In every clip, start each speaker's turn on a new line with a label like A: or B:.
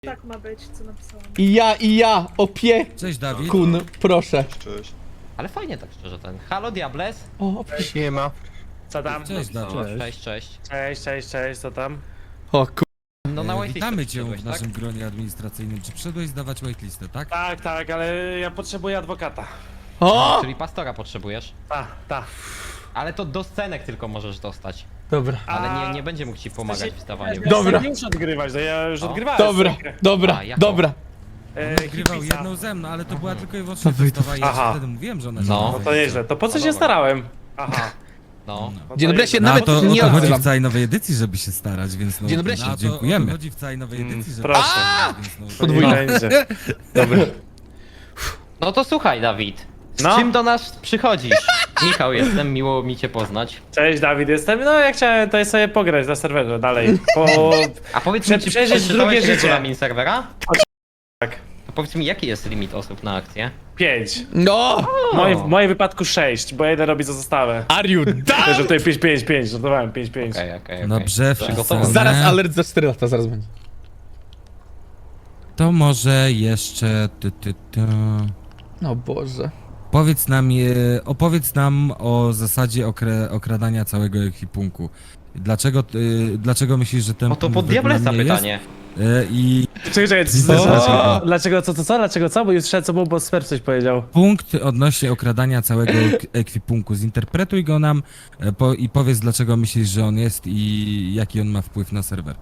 A: Tak ma być, co napisałam.
B: I ja, opiekun,
C: Cześć Dawid.
B: proszę.
D: Cześć.
E: Ale fajnie tak szczerze ten. Halo Diables?
B: O, opiekun.
F: Nie ma.
G: Co tam?
C: Cześć Dawid.
E: Cześć.
G: Cześć, co tam?
B: O ku...
E: No na whitelistę
C: Witamy cię
E: przyszedłeś,
C: w naszym gronie administracyjnym. Czy przyszedłeś zdawać whitelistę, tak?
G: Tak, ale ja potrzebuję adwokata.
B: O!
E: Czyli pastora potrzebujesz.
G: Ta.
E: Ale to do scenek tylko możesz dostać.
B: Dobra.
E: Ale nie będzie mógł ci pomagać w stawaniu.
B: Dobra.
G: Nie muszę odgrywać, no ja już
E: No.
G: odgrywałem.
B: Dobra,
G: scenkę.
B: dobra,
E: A, jaką?
B: dobra.
C: Nagrywał
G: hipisa.
C: jedną ze mną, ale to była tylko i wyłącznie
B: Dawid.
C: testowa i ja
G: Aha.
C: ci wtedy mówiłem, że ona
E: No.
G: No to nieźle, to po co się
E: Dobra.
G: starałem? Aha.
E: No.
G: No
B: Dzień
G: to
B: dobry, ja się
G: nieźle.
B: nawet
C: to, o
B: nie
C: to chodzi
B: odzywam.
C: w całej nowej edycji, żeby się starać, więc no,
B: Dzień dobry,
C: no,
B: się-
C: to dziękujemy. O to chodzi w całej nowej edycji, żeby
G: proszę.
C: się starać, więc no,
B: Podwójnie.
G: Nie będzie. Dobra.
E: No to słuchaj Dawid. Z
G: No.
E: czym do nas przychodzisz? Michał jestem, miło mi cię poznać.
G: Cześć Dawid, jestem. No ja chciałem tutaj sobie pograć na serwerze dalej.
E: A powiedz mi, czy
G: Przeżyć
E: przeczytałeś
G: drugie życie.
E: regulamin serwera?
G: Tak.
E: To powiedz mi, jaki jest limit osób na akcję?
G: 5.
B: No!
G: W moim wypadku 6, bo jeden robi za zastawę.
B: Are you
G: Że
B: done?
G: tutaj 5, żartowałem 5.
E: Okej.
C: Dobrze,
E: Przygotowany.
C: wpisane.
B: Zaraz alert za 4 lata, zaraz będzie.
C: To może jeszcze...
B: No Boże.
C: Opowiedz nam o zasadzie okradania całego ekwipunku. Dlaczego myślisz, że ten
E: O to
C: punkt
E: pod
C: według
E: Diablesa
C: mnie
E: pytanie.
C: jest? I
G: Czekaj, dlaczego co? Bo już słyszałem co było, bo Sper coś powiedział.
C: punkt odnośnie okradania całego ekwipunku. Zinterpretuj go nam i powiedz, dlaczego myślisz, że on jest i jaki on ma wpływ na serwer.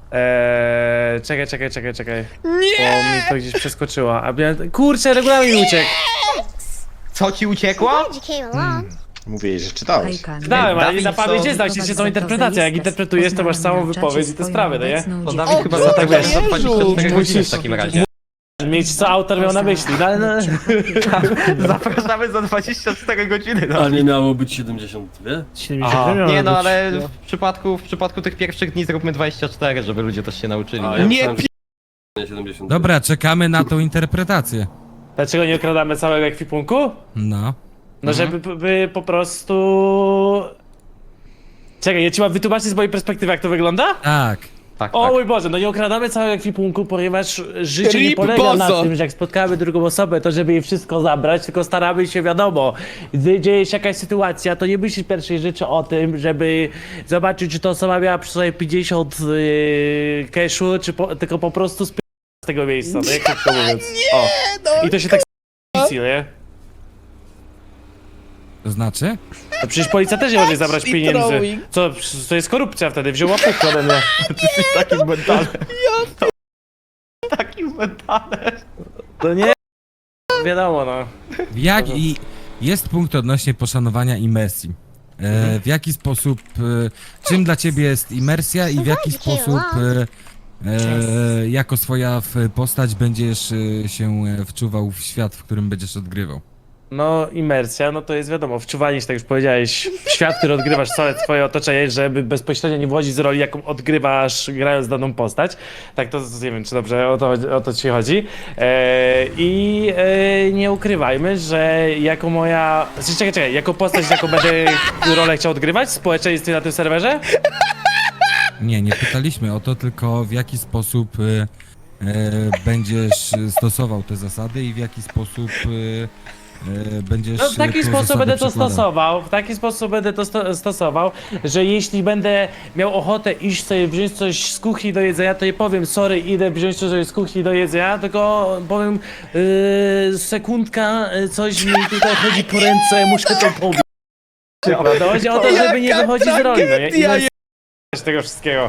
G: Czekaj. Nie! Bo mi to gdzieś przeskoczyło. A miałem... Kurczę, regulamin uciekł.
E: Co ci uciekło?
H: Glad you came along.
D: Mówię jej, że czytałeś.
G: Dałem, ale
E: Dawid,
G: na pamięć nie znał się, są interpretacje. Jak interpretujesz, to masz całą wypowiedź i te sprawy, no nie?
E: To Dawid chyba za tak wiesz, za 24 godziny
G: musisz-
E: w takim razie.
G: Mieć co autor miał na myśli, no ale no...
E: Zapraszamy za 24 godziny. No.
I: A nie miało być 72?
G: Aha.
E: Nie no, ale w przypadku tych pierwszych dni zróbmy 24, żeby ludzie też się nauczyli.
I: A,
E: nie?
I: ja
B: Nie
I: myślałem, że 72.
C: Dobra, czekamy na tą interpretację.
G: Dlaczego nie okradamy całego ekwipunku?
C: No.
G: No żeby by po prostu... Czekaj, ja ci mam wytłumaczyć z mojej perspektywy, jak to wygląda?
C: Tak.
E: Tak,
G: O
E: tak.
G: mój Boże, no nie okradamy całego ekwipunku, ponieważ życie nie
B: Rip
G: polega na
B: Bozo.
G: tym, że jak spotkamy drugą osobę, to żeby jej wszystko zabrać, tylko staramy się, wiadomo, gdy dzieje się jakaś sytuacja, to nie myślisz pierwszej rzeczy o tym, żeby zobaczyć, czy ta osoba miała przy sobie 50 cashu, czy tylko po prostu z tego miejsca, no jak krótko mówiąc. O. I to się tak nie?
C: To znaczy?
G: No przecież policja też nie może zabrać
B: Actually
G: pieniędzy.
B: throwing.
G: Co, to jest korupcja wtedy, wziął łapówkę ode mnie.
E: Jesteś takim mentalem. Takim mentalem.
G: To nie... Wiadomo, no.
C: Jest punkt odnośnie poszanowania imersji. W jaki sposób, czym dla ciebie jest imersja i w jaki sposób jako swoja postać będziesz się wczuwał w świat, w którym będziesz odgrywał?
G: No, imersja, no to jest wiadomo, wczuwanie się, tak już powiedziałeś, w świat, który odgrywasz, całe twoje otoczenie, żeby bezpośrednio nie wchodzić z roli, jaką odgrywasz, grając daną postać. Tak, to nie wiem, czy dobrze o to ci chodzi. Nie ukrywajmy, że jako moja... Znaczy, czekaj, jako postać, jaką będę rolę chciał odgrywać w społeczeństwie na tym serwerze?
C: Nie pytaliśmy o to, tylko w jaki sposób będziesz stosował te zasady i w jaki sposób będziesz
G: No, w taki
C: te
G: sposób
C: zasady
G: będę to
C: przekładał.
G: stosował, stosował, że jeśli będę miał ochotę iść sobie wziąć coś z kuchni do jedzenia, to nie powiem sorry, idę wziąć coś z kuchni do jedzenia, tylko powiem sekundka, coś mi tutaj chodzi po ręce, muszę to pobić. To chodzi o to, żeby nie wychodzić z roli, no nie?
B: tragedia
G: I tego wszystkiego.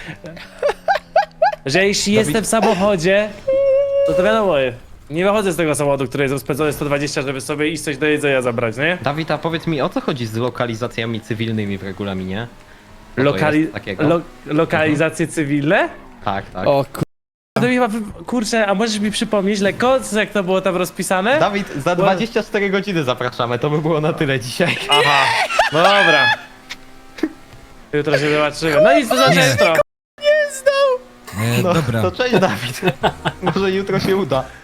G: Że jeśli jestem w samochodzie, to wiadomo, nie wychodzę z tego samochodu, który jest rozpędzony 120, żeby sobie iść coś do jedzenia zabrać, nie?
E: Dawid, a powiedz mi, o co chodzi z lokalizacjami cywilnymi w regulaminie? Co to jest takiego?
G: Lokalizacje cywilne?
E: Tak.
B: O ku...
G: To mi chyba, kurczę, a możesz mi przypomnieć lekko, jak to było tam rozpisane?
E: Dawid, za 24 godziny zapraszamy, to by było na tyle dzisiaj.
G: Aha, no dobra. Jutro się zobaczymy. No i co za często?
E: No,
C: Dobra.
E: to cześć Dawid. Może jutro się uda.